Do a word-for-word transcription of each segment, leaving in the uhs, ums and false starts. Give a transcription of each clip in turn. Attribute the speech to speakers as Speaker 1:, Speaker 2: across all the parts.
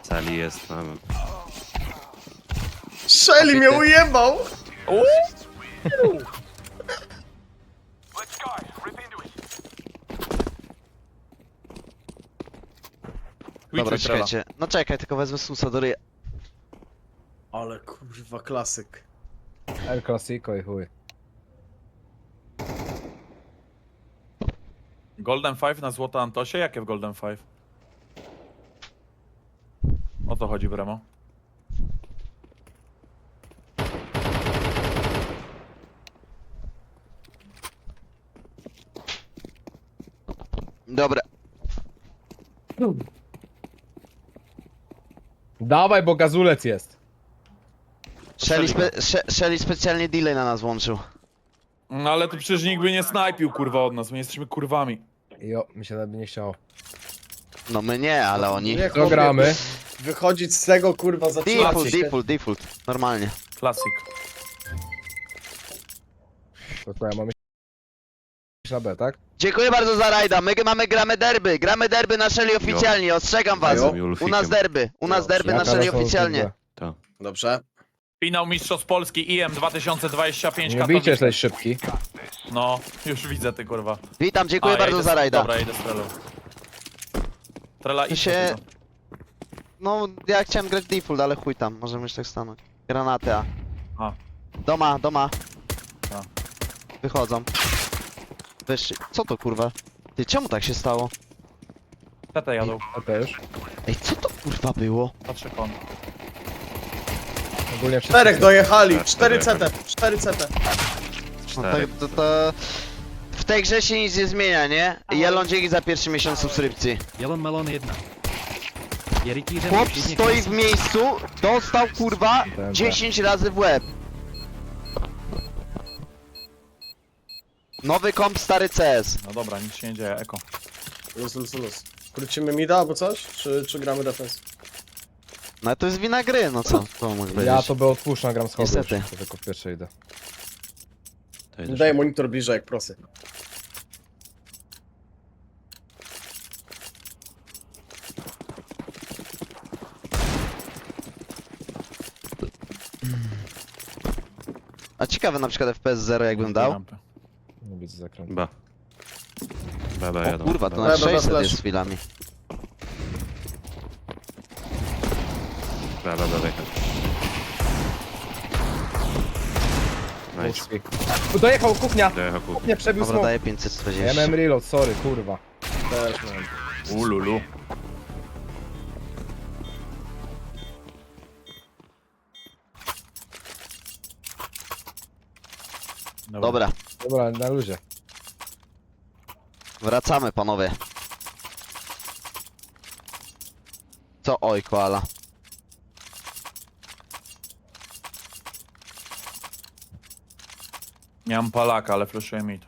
Speaker 1: Celi jest, no.
Speaker 2: Shelly mnie ujebał!
Speaker 3: Dobra, czekajcie. No czekaj, tylko wezmę susa do ryja.
Speaker 2: Ale kurwa, klasyk.
Speaker 4: El Clasico i chuj.
Speaker 5: Golden Five na złoto Antosie? Jakie w Golden Five? O to chodzi, Bremo.
Speaker 3: Dobra.
Speaker 4: Dawaj, bo gazulec jest.
Speaker 3: Shelly, spe She- Shelly specjalnie delay na nas włączył.
Speaker 5: No ale tu przecież nikt by nie snajpił, kurwa, od nas. My jesteśmy kurwami.
Speaker 4: Jo, mi się nawet nie chciało.
Speaker 3: No my nie, ale oni.
Speaker 2: Nie,
Speaker 4: Co gramy?
Speaker 2: Wychodzić z tego kurwa zaczynać
Speaker 3: Default,
Speaker 2: się.
Speaker 3: default, default. Normalnie.
Speaker 5: Klasyk.
Speaker 4: To co, ja mam iść na B, tak?
Speaker 3: Dziękuję bardzo za rajda. My mamy gramy derby. Gramy derby na Shelly oficjalnie. Ostrzegam was.
Speaker 2: Jo.
Speaker 3: U nas derby. U nas derby na
Speaker 4: Ja
Speaker 3: Shelly
Speaker 4: teraz mam
Speaker 3: oficjalnie.
Speaker 4: B.
Speaker 1: To.
Speaker 2: Dobrze.
Speaker 5: Finał Mistrzostw Polski I M dwa tysiące dwadzieścia pięć
Speaker 4: Nie bijcie,
Speaker 5: Katowice.
Speaker 4: jesteś szybki.
Speaker 5: No, już widzę ty, kurwa.
Speaker 3: Witam, dziękuję
Speaker 5: A, ja
Speaker 3: bardzo
Speaker 5: idę
Speaker 3: za
Speaker 5: z-
Speaker 3: rajda.
Speaker 5: Dobra, idę z Trelą. Trela
Speaker 3: Ty
Speaker 5: i
Speaker 3: się- No, ja chciałem grać default, ale chuj tam. Możemy już tak stanąć. Granaty A.
Speaker 5: A.
Speaker 3: Doma, doma.
Speaker 5: A.
Speaker 3: Wychodzą. Wyższy. Co to kurwa? Ty, czemu tak się stało?
Speaker 5: Tetę jadą.
Speaker 4: A to już.
Speaker 3: Ej, co to kurwa było?
Speaker 5: Patrzę kon.
Speaker 4: Ogólnie wszyscy...
Speaker 2: Czterech dojechali,
Speaker 1: Tak,
Speaker 2: cztery
Speaker 1: cztery.
Speaker 2: C T, cztery C T.
Speaker 3: No to,
Speaker 1: Cztery.
Speaker 3: to, to... W tej grze się nic nie zmienia, nie? Jelon, dzięki za pierwszy miesiąc subskrypcji.
Speaker 6: Jelon Melon jedna. Je rytířem
Speaker 3: Chłop
Speaker 6: všichni
Speaker 3: stoi w miejscu, dostał kurwa
Speaker 4: Dobra.
Speaker 3: dziesięć razy w łeb. Nowy komp, stary C S.
Speaker 5: No dobra, nic się nie dzieje, eko.
Speaker 2: Luz, luz, luz. Krócimy mida albo coś? Czy, czy gramy defense?
Speaker 3: No to jest wina gry, no co? To mógł powiedzieć.
Speaker 4: Ja to by odpuszczam, gram schody.
Speaker 3: Niestety.
Speaker 4: Już, to tylko w pierwsze idę.
Speaker 1: To jedziesz.
Speaker 2: Daję monitor bliżej jak prosy.
Speaker 3: A ciekawe na przykład F P S zero jakbym dał.
Speaker 5: Rampy.
Speaker 4: Nie widzę zakrętu.
Speaker 1: B. B, B
Speaker 3: O
Speaker 1: jadą.
Speaker 3: kurwa, to
Speaker 1: B.
Speaker 3: na
Speaker 2: Dobra,
Speaker 3: sześćset
Speaker 2: flash.
Speaker 3: jest z chwilami.
Speaker 1: B, B, B, wyjechał. Nice.
Speaker 4: Tu dojechał, kuchnia!
Speaker 1: Dojechał kup.
Speaker 4: Kuchnia przebił
Speaker 3: Dobra,
Speaker 4: smok.
Speaker 3: daję pięćset
Speaker 4: Ja
Speaker 3: czterdzieści.
Speaker 4: miałem reload, sorry, kurwa.
Speaker 2: Też mam.
Speaker 5: Ululu.
Speaker 3: Dobra,
Speaker 4: Dobra, na luzie.
Speaker 3: wracamy panowie. Co oj, koala?
Speaker 5: Nie mam palaka, ale flashuję mid.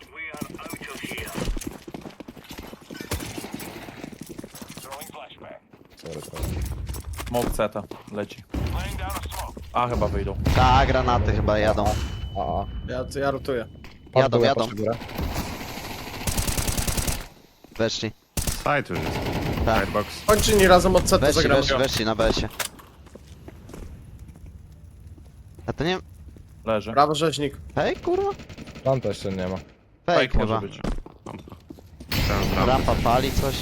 Speaker 4: Sorry, trochę.
Speaker 5: Smoke ceta, leci. A, chyba wyjdą.
Speaker 3: Ta, granaty chyba jadą.
Speaker 4: A, a.
Speaker 2: Ja, to ja rotuję.
Speaker 4: Patrz
Speaker 3: Jadą,
Speaker 4: górę,
Speaker 3: jadą.
Speaker 4: patrz górę.
Speaker 3: Weszli.
Speaker 1: Side już jest.
Speaker 3: Tak.
Speaker 1: Sidebox.
Speaker 2: Chodźcie nie razem od C T
Speaker 3: Weszli,
Speaker 2: zagramy.
Speaker 3: weszli, weszli na B S ie. A to nie...
Speaker 5: Leży.
Speaker 2: Brawo rzeźnik.
Speaker 3: Hej, kurwa?
Speaker 4: Tam też jeszcze nie ma.
Speaker 3: Fake
Speaker 5: Fake może
Speaker 3: chyba.
Speaker 5: być.
Speaker 1: Rampa. Chciałem z rampy.
Speaker 3: Rampa pali coś.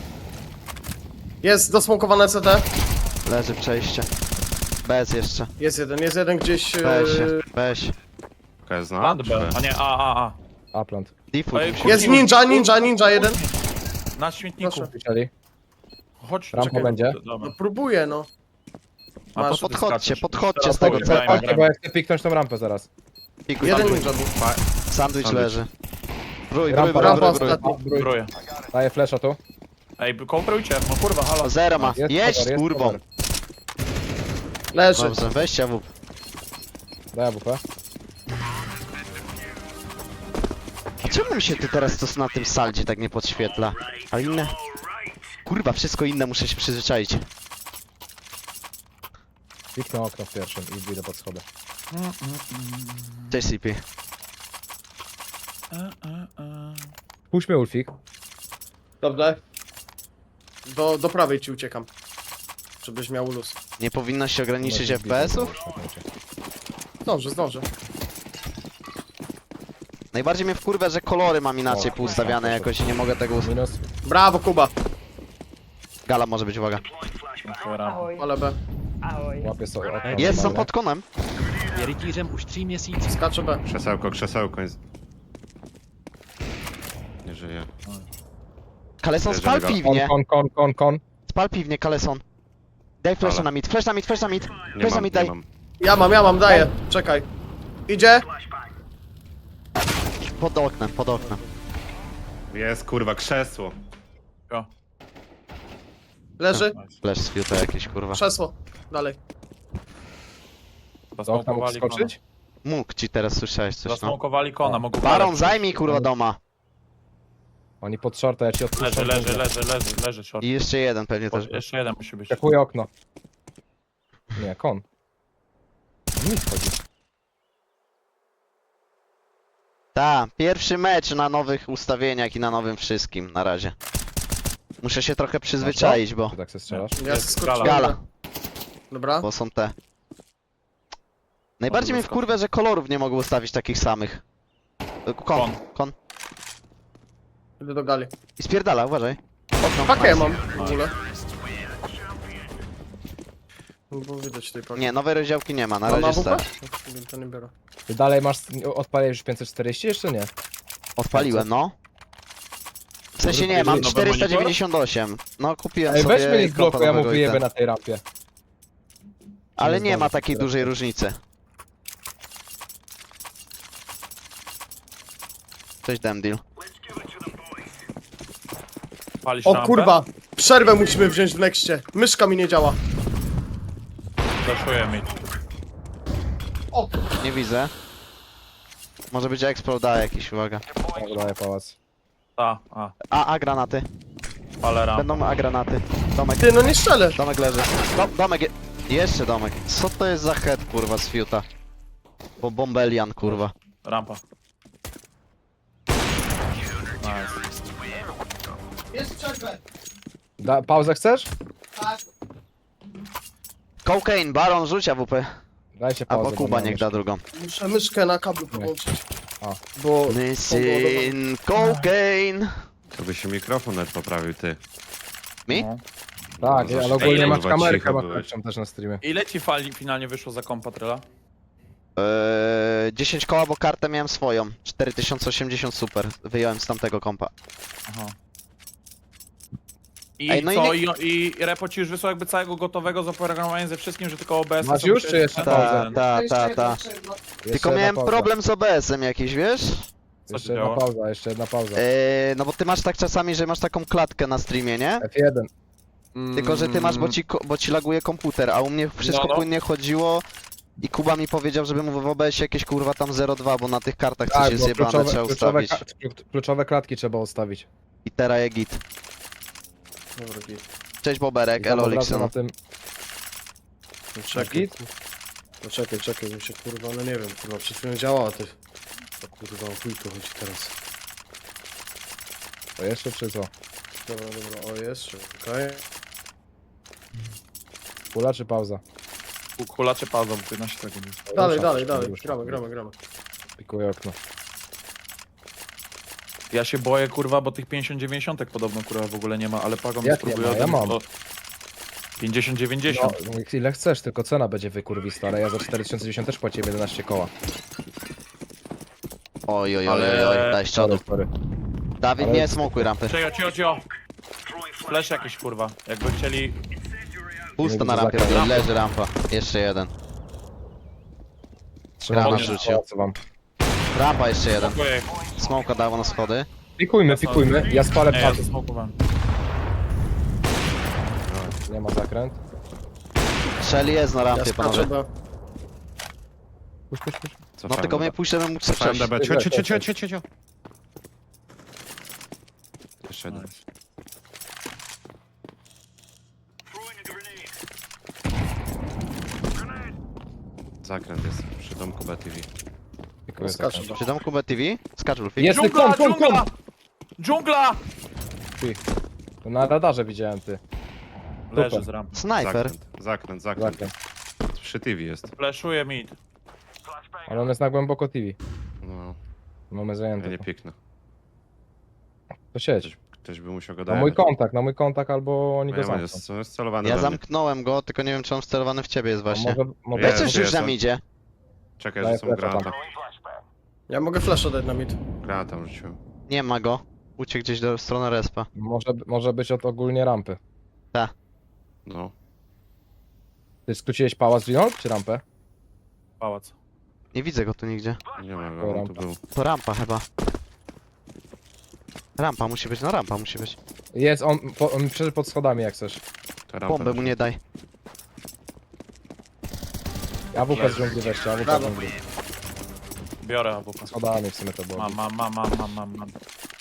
Speaker 2: Jest dosmokowane C T.
Speaker 3: Leży przejście. Bez jeszcze.
Speaker 2: Jest jeden, jest jeden gdzieś...
Speaker 3: Weź się,
Speaker 2: Yy...
Speaker 3: weź.
Speaker 1: K jest na?
Speaker 5: Plant
Speaker 1: czy
Speaker 5: B.
Speaker 1: B?
Speaker 5: A nie, a, a, a.
Speaker 4: Upland.
Speaker 3: Default
Speaker 5: Ej,
Speaker 3: musi
Speaker 2: Jest
Speaker 5: Kuchni,
Speaker 2: ninja,
Speaker 5: kuchni,
Speaker 2: ninja,
Speaker 5: kuchni,
Speaker 2: ninja jeden.
Speaker 5: Na śmietniku.
Speaker 2: Proszę.
Speaker 4: Chcieli?
Speaker 5: Chodź,
Speaker 4: Rampa
Speaker 5: czekaj.
Speaker 4: będzie?
Speaker 5: Dobra.
Speaker 2: No próbuję no.
Speaker 5: A
Speaker 2: Masz,
Speaker 5: po co ty
Speaker 3: podchodźcie,
Speaker 5: skaczesz?
Speaker 3: podchodźcie z
Speaker 5: Teraz
Speaker 3: tego
Speaker 5: powiem,
Speaker 3: C T.
Speaker 5: grajmy,
Speaker 4: Chodźcie, bo
Speaker 5: grajmy.
Speaker 4: ja chcę piknąć tą rampę zaraz.
Speaker 3: Pikuj,
Speaker 2: Jeden
Speaker 3: sandwich.
Speaker 2: ninja był.
Speaker 3: Sandwich
Speaker 1: Sandwich.
Speaker 3: leży. Brój, brój,
Speaker 4: Rampa,
Speaker 3: brój,
Speaker 2: rampa
Speaker 3: brój, brój.
Speaker 2: ostatni.
Speaker 4: Brój.
Speaker 5: Zbroję.
Speaker 4: Daję flesza tu.
Speaker 5: Ej, kooperujcie, no kurwa, halo.
Speaker 3: Zero ma.
Speaker 4: Jest
Speaker 3: Jeść
Speaker 4: cover, jest
Speaker 3: kurwą.
Speaker 4: cover.
Speaker 2: Leży.
Speaker 3: Dobrze, weźcie w.
Speaker 4: Daj A W P.
Speaker 3: A czemu mi się ty teraz to na tym saldzie tak nie podświetla? A inne? Kurwa, wszystko inne muszę się przyzwyczaić.
Speaker 4: Piknę okno w pierwszym i wyjdę pod schody.
Speaker 3: Cześć C P.
Speaker 4: Puść mnie Ulfik.
Speaker 2: Dobrze. Do, do prawej ci uciekam. żebyś miał luz.
Speaker 3: Nie powinno się ograniczyć
Speaker 4: Może
Speaker 3: F P S-ów?
Speaker 4: widzę, że już na
Speaker 2: Zdążę, zdążę.
Speaker 3: Najbardziej mnie wkurwia, że kolory mam inaczej
Speaker 4: O,
Speaker 3: poustawiane jakoś i nie mogę tego... us-
Speaker 4: Minus.
Speaker 2: Brawo, Kuba.
Speaker 3: Gala może być, uwaga.
Speaker 7: Ahoj,
Speaker 2: Ale B.
Speaker 7: ahoj.
Speaker 4: Łapię sobie okno.
Speaker 3: Jest, są
Speaker 4: normalne.
Speaker 3: pod konem.
Speaker 6: Je rytířem už tří měsíců.
Speaker 2: Skacze B.
Speaker 1: Krzesełko, krzesełko jest. Nie żyje.
Speaker 3: Kaleson,
Speaker 1: Bierzemy
Speaker 3: spal
Speaker 1: go.
Speaker 3: piwnie.
Speaker 4: Kon, kon, kon, kon.
Speaker 3: Spal piwnie, Kaleson. Daj flasha
Speaker 1: Ale.
Speaker 3: na mid, flash na mid, flash na mid.
Speaker 1: Nie
Speaker 3: Flash na
Speaker 1: mam,
Speaker 3: mid
Speaker 1: nie
Speaker 3: daj.
Speaker 1: mam.
Speaker 2: Ja mam, ja mam, daję. Czekaj. Idzie.
Speaker 3: Pod oknem, pod oknem.
Speaker 1: Jest kurwa, krzesło.
Speaker 2: Leży.
Speaker 3: Flash z fiuta jakiś, kurwa.
Speaker 2: Krzesło. Dalej.
Speaker 4: Do okna mógł skoczyć?
Speaker 3: Mógł ci teraz słyszałeś coś, no.
Speaker 5: Zasmokowali kona, mogą
Speaker 3: Baron, zajmij kurwa doma.
Speaker 4: Oni pod shorta, ja ci odpuszczę.
Speaker 5: Leży, leży, leży, leży, leży, short.
Speaker 3: I jeszcze jeden pewnie też.
Speaker 5: O, jeszcze jeden musi być.
Speaker 4: Czekuję okno. Nie, kon. Nic chodzi.
Speaker 3: Ta, pierwszy mecz na nowych ustawieniach i na nowym wszystkim, na razie. Muszę się trochę przyzwyczaić, bo,
Speaker 4: Ty tak se strzelasz?
Speaker 2: Ja
Speaker 5: Jest
Speaker 2: skoczyłem.
Speaker 3: Gala.
Speaker 2: Dobra.
Speaker 3: bo są te. Najbardziej mnie wkurwia, że kolorów nie mogę ustawić takich samych. Kon,
Speaker 5: Kon.
Speaker 3: kon.
Speaker 2: Idę do gali.
Speaker 3: I spierdala, uważaj. Okno.
Speaker 2: Pakę
Speaker 3: nice.
Speaker 2: mam w ogóle. No bo widać tej paki.
Speaker 3: Nie, nowej rozdziałki nie ma, na
Speaker 2: Mam
Speaker 3: razie
Speaker 2: A W P?
Speaker 3: stać.
Speaker 2: To nie biorę.
Speaker 4: Ty dalej masz, odpaliłeś już pięćset czterdzieści jeszcze nie?
Speaker 3: Odpaliłem, no. W sensie nie, mam
Speaker 5: Nowy
Speaker 3: czterysta dziewięćdziesiąt osiem. No kupiłem
Speaker 4: Ej,
Speaker 3: sobie
Speaker 4: weź mnie z bloku,
Speaker 3: kompa
Speaker 4: ja mu
Speaker 3: nowego i
Speaker 4: wyjebę
Speaker 3: ten.
Speaker 4: na tej rampie.
Speaker 3: Ale
Speaker 4: nie
Speaker 3: nie ma
Speaker 4: zdążę
Speaker 3: takiej
Speaker 4: teraz.
Speaker 3: dużej różnicy. Cześć Demdil.
Speaker 5: Palisz
Speaker 2: O
Speaker 5: rampę?
Speaker 2: kurwa! Przerwę musimy wziąć w nexcie. Myszka mi nie działa.
Speaker 5: Zaszuję mi.
Speaker 2: O!
Speaker 3: Nie widzę. Może być Explode jakiś, uwaga.
Speaker 4: Tak, daję pałac.
Speaker 5: Ta, a,
Speaker 3: A, a granaty.
Speaker 5: palę rampę.
Speaker 3: Będą a granaty. Domek,
Speaker 2: Ty, no nie strzelę.
Speaker 3: domek leży. Do, domek je... Jeszcze domek. Co to jest za head kurwa z fiuta? Bo bombelian kurwa.
Speaker 5: Rampa. Nice.
Speaker 2: Jest przerwę.
Speaker 4: Da, pauzę chcesz?
Speaker 2: Tak.
Speaker 3: Cocaine, Baron rzucia W P.
Speaker 4: Dajcie pauzę.
Speaker 3: Albo
Speaker 4: bo
Speaker 3: Kuba
Speaker 4: mam
Speaker 3: niech
Speaker 4: jeszcze.
Speaker 3: da drugą.
Speaker 2: Muszę myszkę na kablu podłączyć.
Speaker 4: A.
Speaker 2: Bo...
Speaker 3: Missing cocaine.
Speaker 1: To by się mikrofon nawet poprawił, ty.
Speaker 3: Mi?
Speaker 5: No.
Speaker 4: Tak,
Speaker 1: No,
Speaker 4: ale
Speaker 1: za-
Speaker 4: ogólnie
Speaker 5: Ej,
Speaker 4: masz
Speaker 1: kurwa,
Speaker 4: kamerkę,
Speaker 1: cicho
Speaker 4: masz
Speaker 1: byłeś.
Speaker 4: lepszą też na streamie.
Speaker 5: Ile ci fali finalnie wyszło za kompa Tryla?
Speaker 3: Eee, dziesięć koła, bo kartę miałem swoją. cztery tysiące osiemdziesiąt super. Wyjąłem z tamtego kompa.
Speaker 5: Aha. I
Speaker 3: Ej, no i
Speaker 5: co?
Speaker 3: nie-
Speaker 5: I, I Repo ci już wysłał jakby całego gotowego z oprogramowaniem ze wszystkim, że tylko O B S.
Speaker 4: Masz
Speaker 5: sobie
Speaker 4: już,
Speaker 5: musiałeś-
Speaker 4: czy jeszcze
Speaker 5: Tak,
Speaker 4: pauzę?
Speaker 3: Ta, ta, ta, ta.
Speaker 4: Jeszcze
Speaker 3: Tylko
Speaker 4: jedna
Speaker 3: miałem
Speaker 4: pauza.
Speaker 3: problem z O B S-em jakiś, wiesz?
Speaker 5: Co
Speaker 4: Jeszcze
Speaker 5: się
Speaker 4: jedna
Speaker 5: działo?
Speaker 4: pauza, jeszcze jedna pauza.
Speaker 3: Eee, no bo ty masz tak czasami, że masz taką klatkę na streamie, nie?
Speaker 4: F jeden.
Speaker 3: Tylko, że ty masz, bo ci, ko- bo ci laguje komputer, a u mnie wszystko
Speaker 5: No, no.
Speaker 3: płynnie chodziło i Kuba mi powiedział, żebym w O B S-ie jakieś kurwa tam zero przecinek dwa, bo na tych kartach coś
Speaker 4: Tak,
Speaker 3: jest
Speaker 4: bo
Speaker 3: zjebane,
Speaker 4: kluczowe,
Speaker 3: trzeba
Speaker 4: kluczowe,
Speaker 3: ustawić.
Speaker 4: ka- kluczowe klatki trzeba ustawić.
Speaker 3: I teraz je git.
Speaker 2: Dobra, git.
Speaker 3: Cześć
Speaker 4: I
Speaker 3: Boberek,
Speaker 4: tam
Speaker 3: elo
Speaker 4: od razu
Speaker 3: Lixon.
Speaker 4: na tym.
Speaker 2: No czekaj. No czekaj, czekaj, mi się kurwa, no nie wiem, kurwa, przed chwilą działała, ty. O kurwa, o chuj tu chodzi teraz.
Speaker 4: To jeszcze czy co?
Speaker 2: Dobra, dobra, o jest, czekaj.
Speaker 4: Kula czy pauza?
Speaker 5: Kula czy pauza, bo piętnaście sekund jest.
Speaker 2: Dalej,
Speaker 4: Rusza,
Speaker 2: dalej,
Speaker 4: rusza,
Speaker 2: dalej,
Speaker 4: rusza.
Speaker 2: gramy, gramy, gramy.
Speaker 4: Pikuję okno.
Speaker 5: Ja się boję, kurwa, bo tych pięćdziesiąt dziewięćdziesiąt podobno, kurwa, w ogóle nie ma, ale Pago mi
Speaker 4: Jak nie
Speaker 5: spróbuje
Speaker 4: ma? Ja
Speaker 5: ode mnie
Speaker 4: mam.
Speaker 5: to pięćdziesiąt dziewięćdziesiąt.
Speaker 4: No, ile chcesz, tylko cena będzie wykurwista, ale ja za cztery tysiące dziesięć też płaciłem jedenaście koła.
Speaker 3: Oj, oj, oj,
Speaker 5: Ale-
Speaker 3: oj, oj, daj z
Speaker 4: Sorry,
Speaker 3: przodu.
Speaker 4: sorry.
Speaker 3: Dawid,
Speaker 4: ale-
Speaker 3: nie smokuj rampy.
Speaker 5: Cio, cio, cio. Flash jakiś, kurwa. Jakby chcieli...
Speaker 3: Pusto na
Speaker 4: widzę
Speaker 3: rampie,
Speaker 4: zakaz.
Speaker 3: robię, leży rampa. Jeszcze jeden.
Speaker 4: Trzeba
Speaker 3: Grama
Speaker 4: wam
Speaker 3: rzucił.
Speaker 4: pałacu wam.
Speaker 3: Rampa jeszcze jeden.
Speaker 5: Dziękuję.
Speaker 3: Smoka dało na schody.
Speaker 4: Pikujmy, pikujmy. Ja spalę
Speaker 5: Nie, ja
Speaker 4: pałac.
Speaker 5: zasmokowałem.
Speaker 4: Nie ma zakręt.
Speaker 3: Shelly jest na
Speaker 2: Ja
Speaker 3: rampie,
Speaker 2: skaczę,
Speaker 3: panowie.
Speaker 2: bo...
Speaker 4: Puść, puść, puść.
Speaker 3: No tylko mnie puść, żebym mógł
Speaker 1: Cofałem
Speaker 3: strzelić.
Speaker 1: D B. Cio, cio, cio, cio, cio, cio, cio. Jeszcze jeden. Zakręt jest przy domku B T V.
Speaker 4: Pikuję
Speaker 2: Skaczę,
Speaker 4: zakręt.
Speaker 2: bo...
Speaker 3: Przy domku B T V? Skacz Wolfik.
Speaker 4: Jest
Speaker 5: Dżungla,
Speaker 4: kon, kon,
Speaker 5: dżungla!
Speaker 4: kon!
Speaker 5: Dżungla!
Speaker 4: To na radarze widziałem ty.
Speaker 5: Leży
Speaker 4: Super.
Speaker 5: z rampy.
Speaker 3: Snajper.
Speaker 1: Zakręt, zakręt, zakręt.
Speaker 4: Zakręt.
Speaker 1: Przy T V jest.
Speaker 5: Fleszuje mid.
Speaker 4: Ale on jest na głęboko T V.
Speaker 1: No,
Speaker 4: Mamy
Speaker 1: ja
Speaker 4: zajęte.
Speaker 1: nie
Speaker 4: to.
Speaker 1: piknę.
Speaker 4: To siedź.
Speaker 1: Ktoś by musiał go
Speaker 4: Na
Speaker 1: dojechać.
Speaker 4: mój kontakt, na mój kontakt albo oni
Speaker 1: No
Speaker 4: go
Speaker 1: ja mam,
Speaker 4: zamkną.
Speaker 1: jest, jest celowany
Speaker 3: Ja
Speaker 1: we mnie.
Speaker 3: zamknąłem go, tylko nie wiem czy on wcelowany w ciebie jest
Speaker 4: A
Speaker 3: właśnie.
Speaker 4: może, może
Speaker 1: Jest,
Speaker 3: Weź coś
Speaker 1: jest.
Speaker 3: już nam idzie.
Speaker 1: Czekaj,
Speaker 4: Daję
Speaker 1: że są
Speaker 4: flasha
Speaker 1: granata.
Speaker 4: tam.
Speaker 2: Ja mogę flasha dać na mid.
Speaker 1: Granata rzuciłem.
Speaker 3: Nie ma go. Uciekł gdzieś do strony respa.
Speaker 4: Może, może być od ogólnie rampy.
Speaker 1: No.
Speaker 4: Ty skróciłeś pałac Ginold, czy rampę?
Speaker 5: Pałac.
Speaker 3: Nie widzę go tu nigdzie.
Speaker 1: Nie ma
Speaker 4: To
Speaker 1: go, on tu
Speaker 4: rampa.
Speaker 1: był.
Speaker 3: To rampa chyba. Rampa musi być, no rampa musi być.
Speaker 4: Jest, on, po, on przeszedł pod schodami jak chcesz.
Speaker 1: To rampa.
Speaker 3: Bombę mu nie daj.
Speaker 4: A W P z dżungli weźcie, A W P z
Speaker 2: Brawo.
Speaker 4: dżungli.
Speaker 5: Biorę A W P.
Speaker 4: Schodami w sumie to było.
Speaker 5: Mam, mam, mam, mam, mam, mam, mam.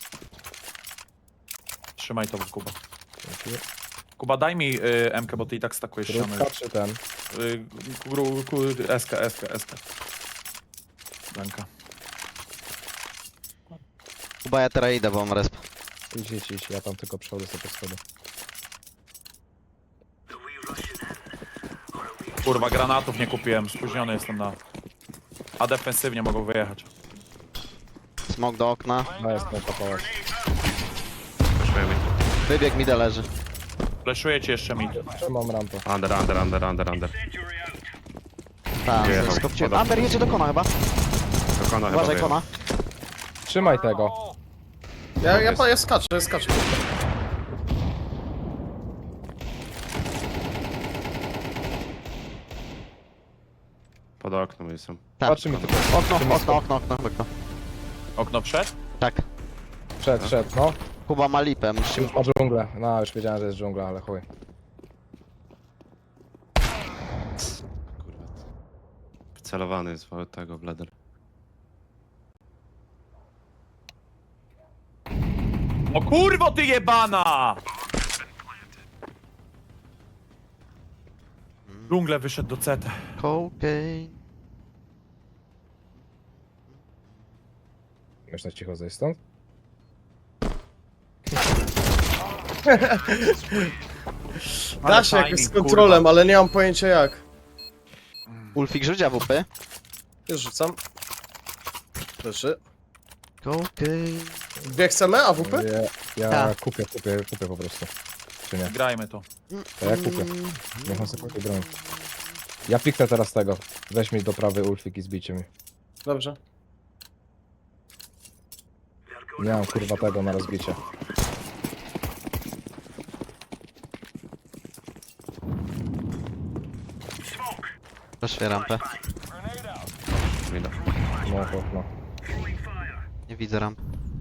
Speaker 5: Trzymaj to, Kuba.
Speaker 4: Dzięki.
Speaker 5: Kuba, daj mi y, M K, bo ty i tak stakujesz ściany.
Speaker 4: Krótka czy ten?
Speaker 5: Y, gru, ku, S K, S K, S K. Danka.
Speaker 3: Chyba ja teraz idę, bo mam resp.
Speaker 4: Idź, idź, idź, ja tam tylko przechodzę sobie pod schody.
Speaker 5: Kurwa, granatów nie kupiłem, spóźniony jestem na... A defensywnie mogą wyjechać.
Speaker 3: Smok do okna.
Speaker 4: No jest ten pałac.
Speaker 1: Przejmij.
Speaker 3: Wybieg mi leży.
Speaker 5: Fleszuję ci jeszcze mid.
Speaker 4: Trzymam rampę.
Speaker 1: Under, under, under, under, under.
Speaker 3: Tak,
Speaker 1: Wyjechał.
Speaker 3: skopciłem.
Speaker 1: Podobnie.
Speaker 3: Amber jedzie do kona chyba.
Speaker 1: Do kona chyba
Speaker 3: Uważaj
Speaker 1: wyjechał.
Speaker 3: kona.
Speaker 4: Trzymaj tego.
Speaker 2: Ja, ja, ja, ja skaczę, ja skaczę.
Speaker 1: Pod oknem jestem.
Speaker 3: Tak.
Speaker 4: Patrzy mi tylko.
Speaker 3: Okno, okno, okno, okno, okno.
Speaker 5: Okno przed?
Speaker 3: Tak.
Speaker 4: Przed, przed, no.
Speaker 3: Kuba ma lipę, musimy...
Speaker 4: Już ma dżunglę. No, już wiedziałem, że jest dżungla, ale chuj.
Speaker 1: Kurwa. Celowany jest w tego Blader.
Speaker 5: O kurwo ty jebana! Dżungle wyszedł do C T.
Speaker 3: Cocaine.
Speaker 4: Już na cicho zejść stąd?
Speaker 2: Da się jakoś z kontrolem, ale nie mam pojęcia jak.
Speaker 3: Ulfik rzuć A W P.
Speaker 2: Już rzucam. Leży.
Speaker 3: Cocaine.
Speaker 2: Dwie chcemy, A W P?
Speaker 4: Ja, ja
Speaker 3: Tak.
Speaker 4: kupię, kupię, kupię po prostu. Czy nie?
Speaker 5: Grajmy to.
Speaker 4: To ja kupię. Niech on sobie kupi broń. Ja piknę teraz tego. Weź mi do prawej ulfik i zbijcie mi.
Speaker 2: Dobrze.
Speaker 4: Nie mam kurwa tego na rozbicie.
Speaker 3: Proszę rampę.
Speaker 1: Mida.
Speaker 4: No, no, no.
Speaker 3: Nie widzę ramp.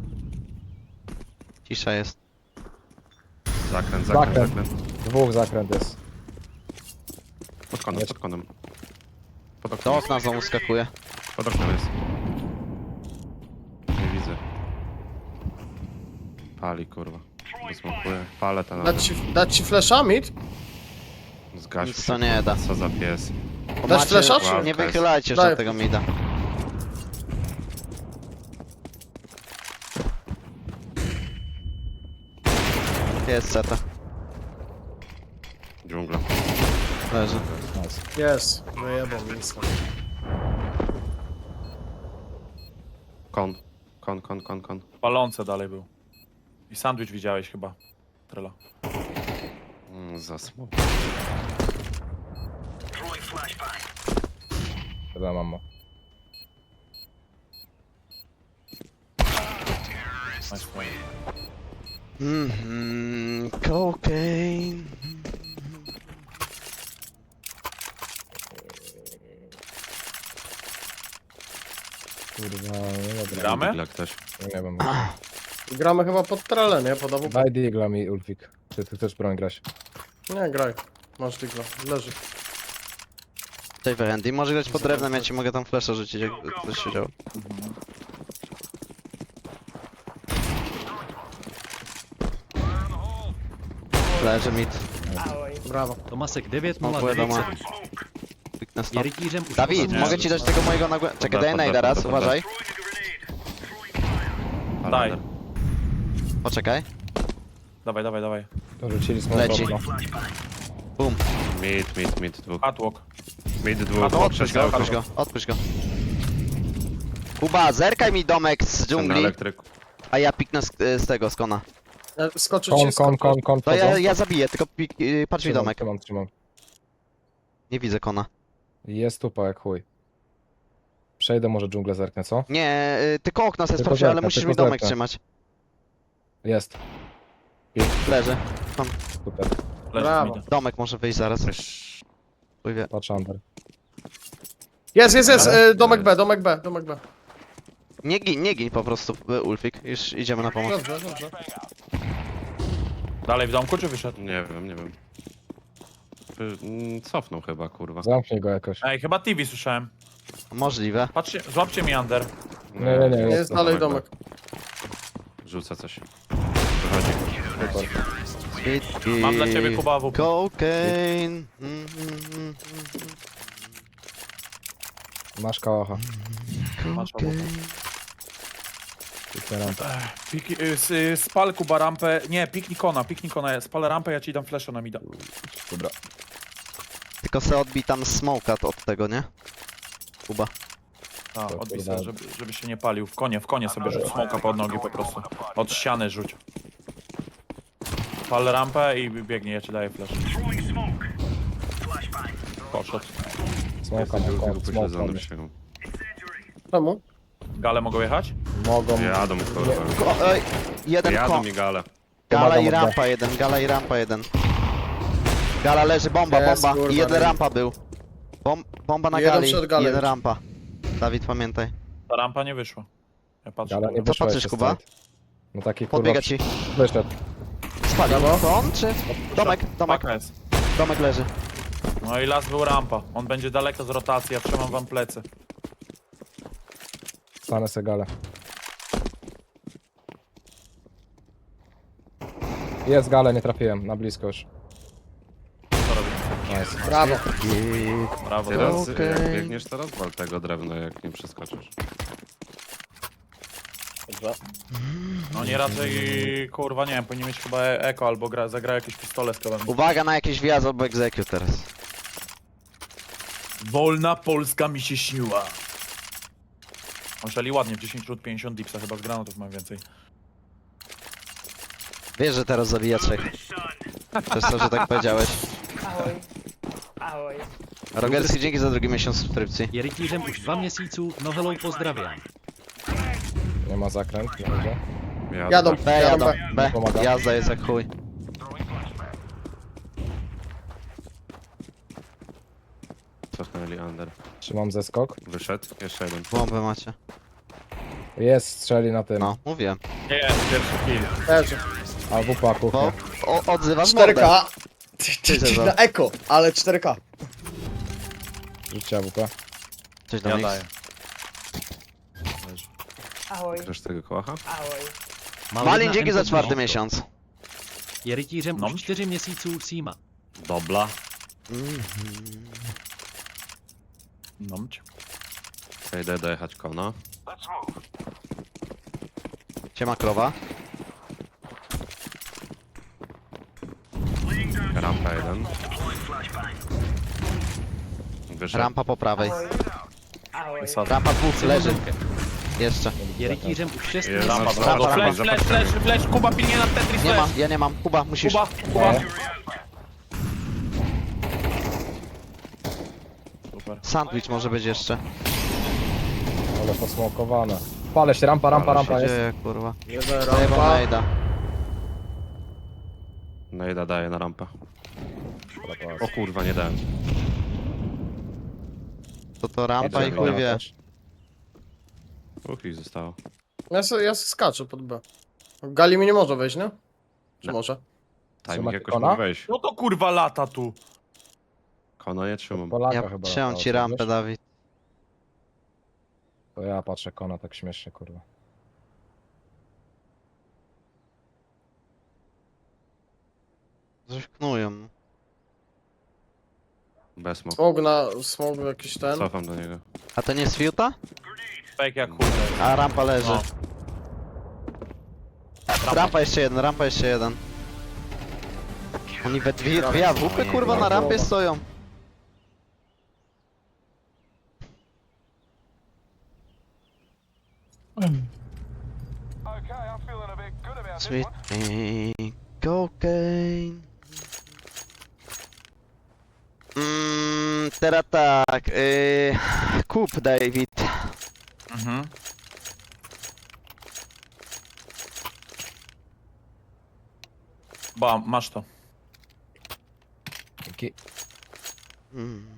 Speaker 3: Cisza jest.
Speaker 1: Zakręt, zakręt,
Speaker 4: Zakręt.
Speaker 1: zakręt.
Speaker 4: Dwóch zakręt jest.
Speaker 1: Pod konem,
Speaker 4: Jest.
Speaker 1: pod konem. Pod
Speaker 3: Do
Speaker 1: oknem,
Speaker 3: okna znowu skakuje.
Speaker 1: pod oknem jest. Nie widzę. Pali, kurwa. Wysmokuje. Palę ten
Speaker 2: Dać ci, dać ci flasha, mid?
Speaker 1: Zgaś
Speaker 3: Nic to nie da.
Speaker 1: Co za pies.
Speaker 3: Bo
Speaker 2: Dasz
Speaker 3: macie-
Speaker 2: flasha, czy-
Speaker 3: Nie wychylajcie już
Speaker 2: Daję.
Speaker 3: od tego mida. Jest seta.
Speaker 1: Dżungla.
Speaker 3: Leży.
Speaker 4: Nice.
Speaker 2: Jest. Wyjebał mi insta.
Speaker 1: Kon. Kon, kon, kon, kon.
Speaker 5: Palące dalej był. I sandwich widziałeś chyba. Trela.
Speaker 1: Mm, za smok.
Speaker 4: Dobra, mamo.
Speaker 5: Nice play.
Speaker 3: Mhm, cocaine.
Speaker 4: Kurwa, nie dobra.
Speaker 5: Gramy?
Speaker 1: Dla ktoś.
Speaker 4: Nie wiem.
Speaker 2: Gramy chyba pod trele, nie? Pod A W P.
Speaker 4: Daj digla mi ulfik. Czy ty chcesz broń grać?
Speaker 2: Nie, graj. Masz digla. Leży.
Speaker 3: Tutaj Randy, może grać pod drewnem, ja ci mogę tam flasha rzucić, jak ktoś się działo. Leży mid.
Speaker 2: Brawo.
Speaker 6: Tomasek dziewięć
Speaker 3: No,
Speaker 6: nula
Speaker 3: wiadomo.
Speaker 6: dziewięć.
Speaker 3: Kliknę
Speaker 6: Je
Speaker 3: stop.
Speaker 6: rytířem už
Speaker 3: Dawid,
Speaker 5: Nie.
Speaker 3: mogę ci dać tego mojego nagłę... Czekaj,
Speaker 1: Podda,
Speaker 3: daj
Speaker 1: podda,
Speaker 3: najda raz,
Speaker 1: podda, podda.
Speaker 3: uważaj.
Speaker 5: Daj.
Speaker 1: Palander.
Speaker 3: Poczekaj.
Speaker 5: Dawaj, dawaj, dawaj.
Speaker 4: To rzucili smoke
Speaker 3: Leci.
Speaker 4: okno.
Speaker 3: Bum.
Speaker 1: Mid, mid, mid, dwóch.
Speaker 5: Catwalk.
Speaker 1: Mid,
Speaker 5: A
Speaker 1: dwóch.
Speaker 5: to
Speaker 3: Odpuść go, odpuść go, odpuść go. Kuba, zerkaj mi domek z
Speaker 1: Ten
Speaker 3: dżungli,
Speaker 1: elektryk.
Speaker 3: a ja piknę z, z tego, z kona.
Speaker 2: Ja skoczę
Speaker 4: Kon,
Speaker 2: ci,
Speaker 4: kon,
Speaker 2: skoczę.
Speaker 4: kon, kon,
Speaker 3: To ja,
Speaker 4: wchodzą.
Speaker 3: ja zabiję, tylko pik, yy, patrz mi
Speaker 4: Trzymam,
Speaker 3: domek.
Speaker 4: Trzymam, trzymam.
Speaker 3: Nie widzę kona.
Speaker 4: Jest tupa jak chuj. Przejdę może dżunglę zerknę, co?
Speaker 3: Nie, yy, tylko okna sobie
Speaker 4: Tylko
Speaker 3: sprawdź, ale
Speaker 4: zerka,
Speaker 3: musisz
Speaker 4: tylko
Speaker 3: mi domek
Speaker 4: zerka.
Speaker 3: trzymać.
Speaker 4: Jest.
Speaker 3: Leży.
Speaker 4: Super.
Speaker 5: Leży
Speaker 2: Brawo.
Speaker 5: mida.
Speaker 3: Domek może wyjść zaraz. Chuj wie.
Speaker 4: Patrz under.
Speaker 2: Jest, jest, jest,
Speaker 1: Ale-
Speaker 2: e, domek B, domek B, domek B.
Speaker 3: Nie gin, nie gin po prostu, y, Ulfik. Już idziemy na pomoc.
Speaker 2: Dobrze, dobrze.
Speaker 5: Dalej w domku czy wyszedł?
Speaker 1: Nie wiem, nie wiem. Wy- mm, Cofnął chyba, kurwa.
Speaker 4: Zamknij go jakoś.
Speaker 5: Ej, chyba T V słyszałem.
Speaker 3: Możliwe.
Speaker 5: Patrzcie, złapcie mi under.
Speaker 4: Nie, nie, nie.
Speaker 2: Jest dalej domek.
Speaker 1: Rzuca coś. Wychodzi.
Speaker 3: Sweet
Speaker 5: Mam dla ciebie Kuba A W P.
Speaker 3: Cocaine. Mm, mm, mm,
Speaker 4: Masz kałacha.
Speaker 5: Masz A W P.
Speaker 3: cocaine.
Speaker 4: Piknę rampę.
Speaker 5: Pik, y, s- y, spal Kuba rampę. Nie, piknij kona, piknij kona. Spal rampę, ja ci dam flasha na mida.
Speaker 4: Dobra.
Speaker 3: Tylko se odbij tam smoka od tego, nie? Kuba.
Speaker 5: A,
Speaker 4: To
Speaker 5: odbij
Speaker 4: kurwa.
Speaker 5: sobie, żeby, żeby się nie palił. W konie, w konie sobie rzuć smoka pod nogi po prostu. Od ściany rzuć. Pal rampę i biegnie, ja ci daję flash. Poszedł.
Speaker 4: Smoka na
Speaker 1: Był
Speaker 4: kon,
Speaker 1: upośledzony
Speaker 4: smoka.
Speaker 1: przysięgą.
Speaker 2: Czemu?
Speaker 5: Gale mogą jechać?
Speaker 4: Mogą...
Speaker 1: Jadą, kurwa.
Speaker 3: Ko ej, jeden
Speaker 1: Jadą
Speaker 3: kon.
Speaker 1: mi gale.
Speaker 3: Gala
Speaker 4: Pomagam
Speaker 3: i
Speaker 4: od B.
Speaker 3: rampa jeden, gala i rampa jeden. Gala leży, bomba,
Speaker 2: Jest,
Speaker 3: bomba.
Speaker 2: kurwa,
Speaker 3: I jeden
Speaker 2: nie.
Speaker 3: rampa był. Bom bomba na
Speaker 2: Jeden
Speaker 3: gali,
Speaker 2: przed
Speaker 3: i
Speaker 2: galą
Speaker 3: jeden
Speaker 2: już.
Speaker 3: rampa. Dawid, pamiętaj.
Speaker 5: Ta rampa nie wyszła. Ja patrzę.
Speaker 4: Ale nie
Speaker 5: dobra.
Speaker 4: wyszło
Speaker 3: patrzysz,
Speaker 4: jeszcze
Speaker 3: Kuba?
Speaker 4: straight. No taki kurwa...
Speaker 3: Podbiega ci.
Speaker 4: Wyszedł.
Speaker 3: Spalił.
Speaker 2: Brawo.
Speaker 3: To on czy? Domek, domek,
Speaker 5: Paka jest.
Speaker 3: domek leży.
Speaker 5: No i las był rampa. On będzie daleko z rotacji, ja trzymam wam plecy.
Speaker 4: Stanę segale. Jest gale, nie trafiłem. Na blisko już.
Speaker 5: Co robimy?
Speaker 4: Nice.
Speaker 2: Brawo.
Speaker 5: Brawo.
Speaker 1: Teraz,
Speaker 3: Okej.
Speaker 1: jak biegniesz, teraz wal tego drewna, jak nie przeskoczysz.
Speaker 5: Oni raczej, kurwa, nie wiem, powinni mieć chyba e- eko albo gra, zagra jakieś pistole z kolem.
Speaker 3: Uwaga na jakiś wjazd albo execute teraz.
Speaker 5: Wolna Polska mi się śniła. Oszali ładnie, w dziesięć rzut pięćdziesiąt dipsa, chyba z granatów mam więcej.
Speaker 3: Wiesz, że teraz zabija trzech. Przez to, że tak powiedziałeś.
Speaker 7: Ahoj. Ahoj.
Speaker 3: Rogerski, dzięki za drugi miesiąc subskrypcji.
Speaker 6: Je rytířem už dva měsíců, no hello, pozdrawiam.
Speaker 4: Nie ma zakręt, nie będzie.
Speaker 2: Jadą.
Speaker 3: B, jadą, B.
Speaker 4: Pomagam.
Speaker 3: Jazda jest jak chuj.
Speaker 1: Cofnęli under.
Speaker 4: Trzymam zeskok.
Speaker 1: Wyszedł. Jeszcze jeden.
Speaker 3: Bombę macie.
Speaker 4: Jest, strzeli na tym.
Speaker 3: No, mówiłem.
Speaker 5: Nie, pierwszy kill.
Speaker 2: Leży.
Speaker 4: A w upa kuchnia.
Speaker 3: Bo o, odzywasz
Speaker 2: cztery
Speaker 3: mordę.
Speaker 2: K.
Speaker 3: Widzę,
Speaker 2: Na eko, ale cztery K.
Speaker 4: Rzućcie A W P.
Speaker 3: Coś do
Speaker 5: Ja
Speaker 3: nich.
Speaker 5: daję.
Speaker 7: Ahoj.
Speaker 1: Chcesz tego kołacha?
Speaker 7: Ahoj.
Speaker 3: Malin, dzięki za
Speaker 6: N
Speaker 3: czwarty
Speaker 6: no.
Speaker 3: miesiąc.
Speaker 6: Je rytířem
Speaker 5: No.
Speaker 6: už čtyři měsíců Sima.
Speaker 1: Dobla.
Speaker 5: Nomć.
Speaker 1: Idę dojechać kona.
Speaker 3: Siema krowa.
Speaker 1: Rampa jeden. Wyszedł.
Speaker 3: Rampa po prawej.
Speaker 7: Ahoj. Ahoj.
Speaker 5: Wysadzę.
Speaker 3: Rampa dwóch leży. Jeszcze.
Speaker 6: Je rytířem už šest
Speaker 1: Jest
Speaker 5: Rampa,
Speaker 6: měsíců.
Speaker 5: brawo.
Speaker 3: rampa,
Speaker 5: Flash,
Speaker 1: rampa.
Speaker 5: flash, flash, flash, Kuba pilnie na Tetris,
Speaker 3: Nie ma,
Speaker 5: flash.
Speaker 3: ja nie mam. Kuba, musisz.
Speaker 5: Kuba, Kuba. Super.
Speaker 3: Sandwich może być jeszcze.
Speaker 4: Ale posmokowane. Palę się, rampa, rampa,
Speaker 1: Ale się
Speaker 4: rampa jest.
Speaker 3: Gdzie, kurwa?
Speaker 2: Jeden
Speaker 3: Zajebał
Speaker 2: rampa.
Speaker 3: najda.
Speaker 1: Nejda daje na rampę. O kurwa, nie dałem.
Speaker 3: To to rampa i
Speaker 1: Jedziemy,
Speaker 3: chuj
Speaker 1: no.
Speaker 3: wie.
Speaker 1: Uch, ich zostało.
Speaker 2: Ja, se, ja se skaczę pod B. Gali mi nie może wejść, nie? Czy
Speaker 1: No.
Speaker 2: może?
Speaker 1: Timing
Speaker 4: Trzymacie
Speaker 1: jakoś
Speaker 4: kona?
Speaker 1: mógł wejść.
Speaker 5: No to kurwa lata tu.
Speaker 1: Kona nie trzymam.
Speaker 4: Polaka
Speaker 3: Ja
Speaker 4: chyba
Speaker 3: trzymam
Speaker 4: latało,
Speaker 3: ci rampę,
Speaker 4: wiesz?
Speaker 3: Dawid.
Speaker 4: To ja patrzę kona tak śmiesznie, kurwa.
Speaker 3: Coś knują.
Speaker 1: Bez smoke.
Speaker 2: Smog na, smog jakiś ten.
Speaker 1: Cofam do niego.
Speaker 3: A to nie jest fiuta?
Speaker 5: Fake jak chuj.
Speaker 3: A rampa leży.
Speaker 5: No.
Speaker 3: Rampa jeszcze jeden, rampa jeszcze jeden. Oni we dwie, dwie awupy kurwa na rampie stoją. Sweet cocaine. Mm, teraz tak, yy, kup David.
Speaker 5: Mhm. Ba, masz to.
Speaker 4: Dzięki.
Speaker 3: Mm.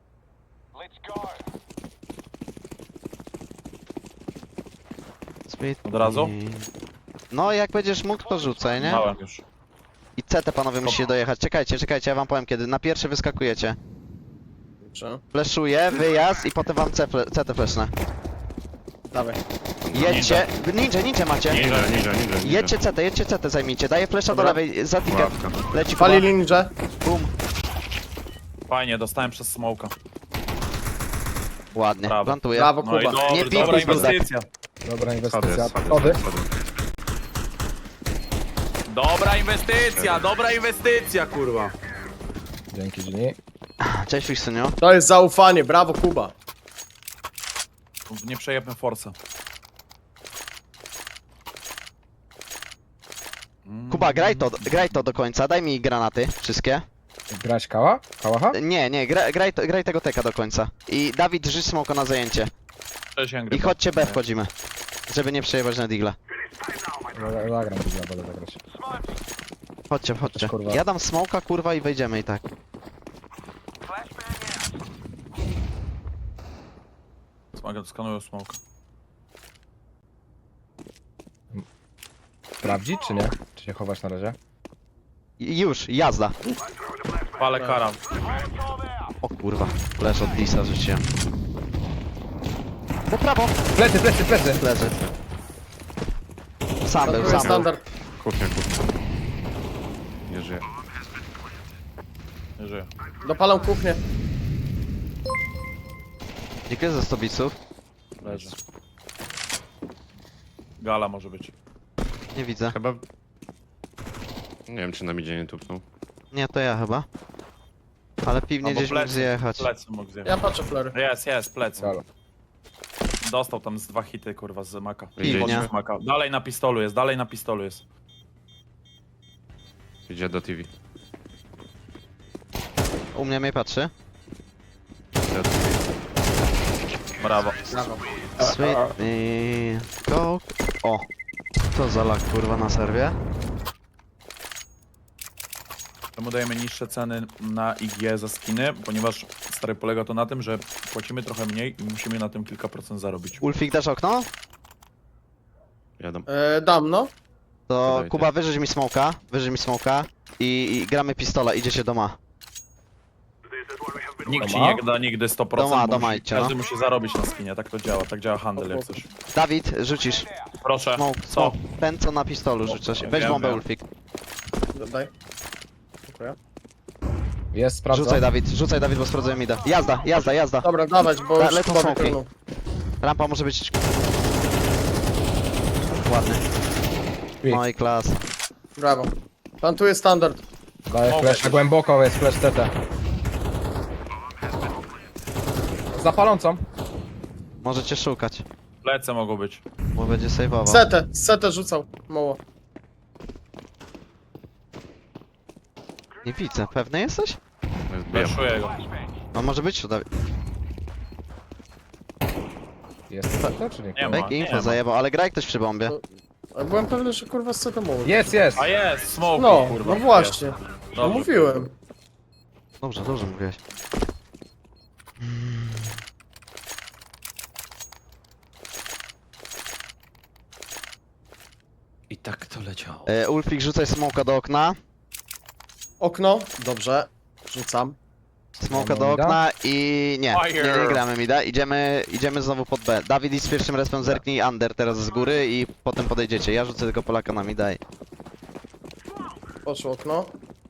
Speaker 3: Sweet
Speaker 5: Od razu?
Speaker 3: No jak będziesz mógł to rzucaj, nie?
Speaker 5: Małem już.
Speaker 3: I C T panowie musicie dojechać. Czekajcie, czekajcie, ja wam powiem kiedy. Na pierwszy wyskakujecie.
Speaker 2: Dobrze.
Speaker 3: Fleszuję, wyjazd i potem wam C, fle- C T fleszne.
Speaker 2: Dawaj.
Speaker 3: Jedźcie. Ninja, ninja macie.
Speaker 1: Ninja, ninja, ninja, ninja.
Speaker 3: Jedźcie C T, jedźcie C T zajmijcie. Daję flesza do
Speaker 2: Dobra.
Speaker 3: lewej, za ticket.
Speaker 1: Ławka.
Speaker 3: Leci Kuba.
Speaker 2: Pali ninja.
Speaker 3: Bum.
Speaker 5: Fajnie, dostałem przez smoka.
Speaker 3: Ładnie,
Speaker 5: Brawo.
Speaker 3: plantuję.
Speaker 2: Brawo,
Speaker 5: No i
Speaker 2: Kuba.
Speaker 5: dobry,
Speaker 3: Nie
Speaker 5: dobra
Speaker 3: pikuj, Brudak.
Speaker 5: inwestycja.
Speaker 4: Dobra
Speaker 1: Schody,
Speaker 4: inwestycja.
Speaker 1: schody,
Speaker 4: Schody.
Speaker 1: schody.
Speaker 5: Dobra inwestycja, dobra inwestycja, kurwa.
Speaker 4: Dzięki Gini.
Speaker 3: Cześć Fiksynio.
Speaker 2: To jest zaufanie, brawo Kuba.
Speaker 5: Nie przejebmy forsa. Mm.
Speaker 3: Kuba, graj to, graj to do końca, daj mi granaty, wszystkie.
Speaker 4: Grać kała? Kałacha?
Speaker 3: Nie, nie, gra, graj, to, graj tego teka do końca. I Dawid, rzuć smoko na zajęcie.
Speaker 5: Cześć, Angry.
Speaker 3: I chodźcie B wchodzimy. Żeby nie przejebać na digla.
Speaker 4: Zagra- Zagram, Gini, będę zagrać.
Speaker 3: Chodźcie, chodźcie.
Speaker 4: Kurwa.
Speaker 3: Ja dam smoka, kurwa, i wejdziemy i tak.
Speaker 5: Smaga, skanuję smoka.
Speaker 4: Sprawdzić czy nie? Czy się chować na razie?
Speaker 3: I już, jazda.
Speaker 5: Palę karam.
Speaker 3: O kurwa, leż od Disa rzuciłem. Po prawo!
Speaker 4: Plecy, plecy, plecy!
Speaker 3: Leży. Sam
Speaker 2: To
Speaker 3: był,
Speaker 2: jest
Speaker 3: sam był.
Speaker 2: standard.
Speaker 1: Kuchnia, kuchnia. Nie żyje.
Speaker 5: Nie żyję.
Speaker 2: Dopalam kuchnię.
Speaker 3: Dziękuję za sto biców.
Speaker 5: Leży. Gala może być.
Speaker 3: Nie widzę.
Speaker 1: Chyba... Nie wiem, czy na midzie nie tupnął.
Speaker 3: Nie, to ja chyba. Ale piwnie
Speaker 5: Albo
Speaker 3: gdzieś mógł
Speaker 5: plecy.
Speaker 3: zjechać.
Speaker 5: Plecy mógł zjechać.
Speaker 2: Ja patrzę flery.
Speaker 5: Jest, jest, plecy.
Speaker 4: Galo.
Speaker 5: Dostał tam z dwa hity, kurwa, z maka.
Speaker 1: Idzie,
Speaker 5: Pod
Speaker 3: idzie.
Speaker 5: z maka. Dalej na pistolu jest, dalej na pistolu jest.
Speaker 1: Idzie do T V.
Speaker 3: U mnie mnie patrzy.
Speaker 1: Idzie do T V.
Speaker 5: Brawo.
Speaker 2: Brawo.
Speaker 3: Sweet i... Coke. O! Co za lak kurwa na serwie?
Speaker 5: Czemu dajemy niższe ceny na I G za skiny? Ponieważ stary polega to na tym, że płacimy trochę mniej i musimy na tym kilka procent zarobić.
Speaker 3: Ulfik, dasz okno?
Speaker 1: Jadą.
Speaker 2: E, dam no.
Speaker 3: To
Speaker 1: Dajcie.
Speaker 3: Kuba, wyrzuć mi smoka, wyrzuć mi smoka i, i gramy pistola, idziecie do ma.
Speaker 5: Nikt ci
Speaker 4: Doma?
Speaker 5: nie da nigdy sto procent,
Speaker 3: Doma,
Speaker 5: bo
Speaker 3: doma
Speaker 5: musi,
Speaker 3: idźcie,
Speaker 5: każdy
Speaker 3: no.
Speaker 5: musi zarobić na skinie, tak to działa, tak działa handel jak coś.
Speaker 3: Dawid, rzucisz.
Speaker 5: Proszę,
Speaker 3: Smoke,
Speaker 5: co?
Speaker 3: smoke. Ten co na pistolu rzucasz. Weź
Speaker 5: Wiem,
Speaker 3: bombę
Speaker 5: wiem.
Speaker 3: Ulfik.
Speaker 2: Daj. Dziękuję.
Speaker 4: Jest, sprawdzam.
Speaker 3: Rzucaj Dawid, rzucaj Dawid, bo sprawdzę mi da. Jazda, jazda, jazda.
Speaker 2: Dobra, dawać, bo
Speaker 3: Da-
Speaker 2: już
Speaker 3: lecą
Speaker 2: Kuba
Speaker 3: smoki.
Speaker 2: wykrynął.
Speaker 3: Rampa może być... Ładny.
Speaker 4: Śpi.
Speaker 3: No i klas.
Speaker 2: Brawo. Plantuję standard.
Speaker 4: Daję
Speaker 5: Mogę
Speaker 4: flash,
Speaker 5: też.
Speaker 4: na głęboko jest flash T T. Za palącą.
Speaker 3: Możecie szukać,
Speaker 5: Lecę mogą być.
Speaker 3: bo będzie saveował.
Speaker 2: Setę, setę rzucał. Mało.
Speaker 3: Nie widzę, pewny jesteś?
Speaker 1: Bijam.
Speaker 5: Wyszuję go.
Speaker 3: No może być, Dawid.
Speaker 4: Jest T T czy nie?
Speaker 5: Nie ma.
Speaker 3: Fake
Speaker 5: nie
Speaker 3: info
Speaker 5: ma.
Speaker 3: zajebał, ale graj ktoś przy bombie.
Speaker 2: A byłem pewny, że kurwa z setą mało.
Speaker 4: Jest, jest!
Speaker 5: A jest, smoke,
Speaker 2: No,
Speaker 5: kurwa.
Speaker 2: no właśnie.
Speaker 5: Jest.
Speaker 2: No
Speaker 5: Dobrze.
Speaker 2: mówiłem.
Speaker 3: Dobrze, dobrze mówiłeś.
Speaker 1: I tak to leciało.
Speaker 3: E, Ulfik, rzucaj smoka do okna.
Speaker 2: Okno. Dobrze. Rzucam.
Speaker 3: Smoka
Speaker 4: Gramy
Speaker 3: do
Speaker 4: mida?
Speaker 3: okna i nie, nie,
Speaker 5: Fire.
Speaker 3: nie gramy mida. Idziemy, idziemy znowu pod B. Dawid, idź z pierwszym respem, zerknij under teraz z góry i potem podejdziecie. Ja rzucę tylko Polaka na mida i...
Speaker 2: Poszło okno.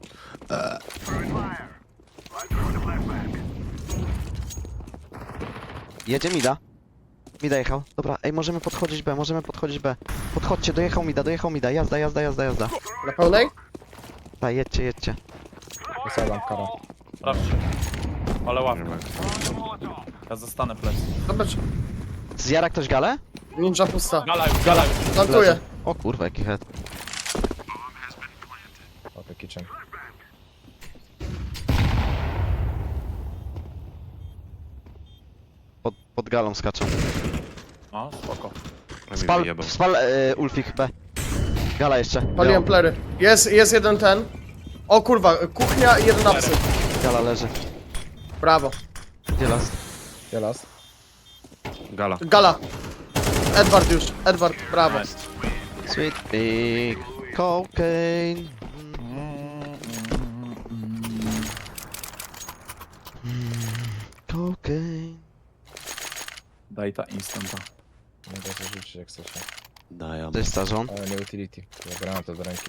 Speaker 3: Jedzie mida. Mida jechał. Dobra, ej, możemy podchodzić B, możemy podchodzić B. Podchodźcie, dojechał mida, dojechał mida. Jazda, jazda, jazda, jazda.
Speaker 2: Na pełnej?
Speaker 3: Tak, jedźcie, jedźcie.
Speaker 4: Wysadam kara.
Speaker 5: Sprawdźcie. Ale
Speaker 1: Nie
Speaker 5: ławkę.
Speaker 1: ma.
Speaker 5: Ja zostanę plecy.
Speaker 2: Zobacz,
Speaker 3: Zjara ktoś galę?
Speaker 2: ninja pusta.
Speaker 5: Gala już, gala już.
Speaker 2: Plantuję.
Speaker 3: O kurwa, jaki head.
Speaker 4: Okej, kitchen.
Speaker 3: Pod, pod galą skaczą.
Speaker 5: No, spoko.
Speaker 1: A mi
Speaker 3: Spal,
Speaker 1: wyjebał.
Speaker 3: spal e, Ulfik B. Gala jeszcze.
Speaker 2: Paliłem
Speaker 3: Białą.
Speaker 2: plery. Jest, jest jeden ten. O kurwa, kuchnia i jeden apsy.
Speaker 3: Gala leży.
Speaker 2: Brawo.
Speaker 3: Gdzie las?
Speaker 4: Gdzie las?
Speaker 1: Gala.
Speaker 2: Gala. Edward już, Edward, brawo.
Speaker 5: Nice.
Speaker 3: Sweet big cocaine. Cocaine.
Speaker 5: Daj ta instanta.
Speaker 4: Mogę zarzucić jak chcecie.
Speaker 3: Daję. To jest starzon.
Speaker 4: Ale nie utility. Zabrałem to do ręki.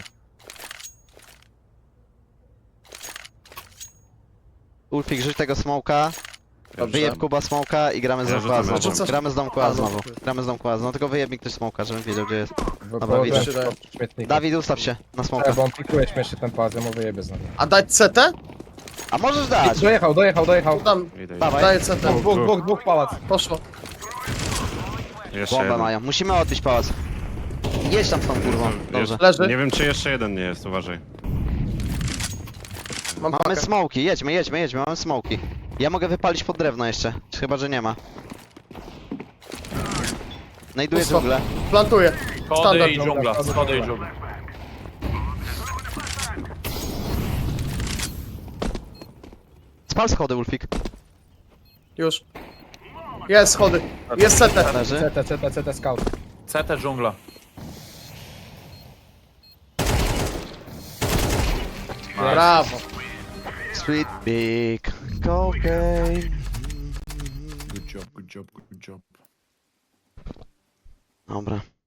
Speaker 3: Ulfik, rzuć tego smoka. Wyjeb Kuba smoka i gramy z
Speaker 1: Ja
Speaker 3: domku
Speaker 1: rzucam
Speaker 3: A znowu.
Speaker 2: rzucam.
Speaker 3: Gramy z domku
Speaker 2: A,
Speaker 3: A
Speaker 2: no.
Speaker 3: znowu. Gramy z domku A. No tylko wyjeb mi ktoś smoka, żebym wiedział gdzie jest.
Speaker 4: Dobra,
Speaker 3: widzę.
Speaker 4: Śmietnik.
Speaker 3: Dawid, ustaw się na smoka.
Speaker 4: Bo on pikuje śmiesznie ten pas, ja mu wyjebie znowu.
Speaker 2: A dać C T?
Speaker 3: A możesz dać!
Speaker 4: Dojechał, dojechał, dojechał.
Speaker 2: Dam,
Speaker 1: Idę, idę.
Speaker 3: Dawaj.
Speaker 2: daję C T.
Speaker 4: Dwóch, dwóch, dwóch, dwóch pałac.
Speaker 2: Poszło.
Speaker 1: Jeszcze
Speaker 3: Bombę
Speaker 1: jeden.
Speaker 3: mają. Musimy odbić pałac. Jedź tam z tą kurwą. Dobrze.
Speaker 1: Jeszcze-
Speaker 2: Leży.
Speaker 1: Nie wiem czy jeszcze jeden nie jest, uważaj.
Speaker 2: Mam
Speaker 3: Mamy
Speaker 2: pakę.
Speaker 3: smoki, jedźmy, jedźmy, jedźmy, mamy smoki. Ja mogę wypalić pod drewno jeszcze, chyba że nie ma. Znajduję
Speaker 2: Pusto.
Speaker 3: dżunglę.
Speaker 2: Plantuję.
Speaker 5: Schody
Speaker 2: Standard.
Speaker 5: i dżungla, schody i dżungla.
Speaker 3: Spal schody, Ulfik.
Speaker 2: Już. Jest schody. Jest C T.
Speaker 3: Leży.
Speaker 4: C T, C T, C T scout.
Speaker 5: C T dżungla.
Speaker 2: Brawo.
Speaker 3: Sweet big cocaine.
Speaker 5: Good job, good job, good job.
Speaker 3: Dobra.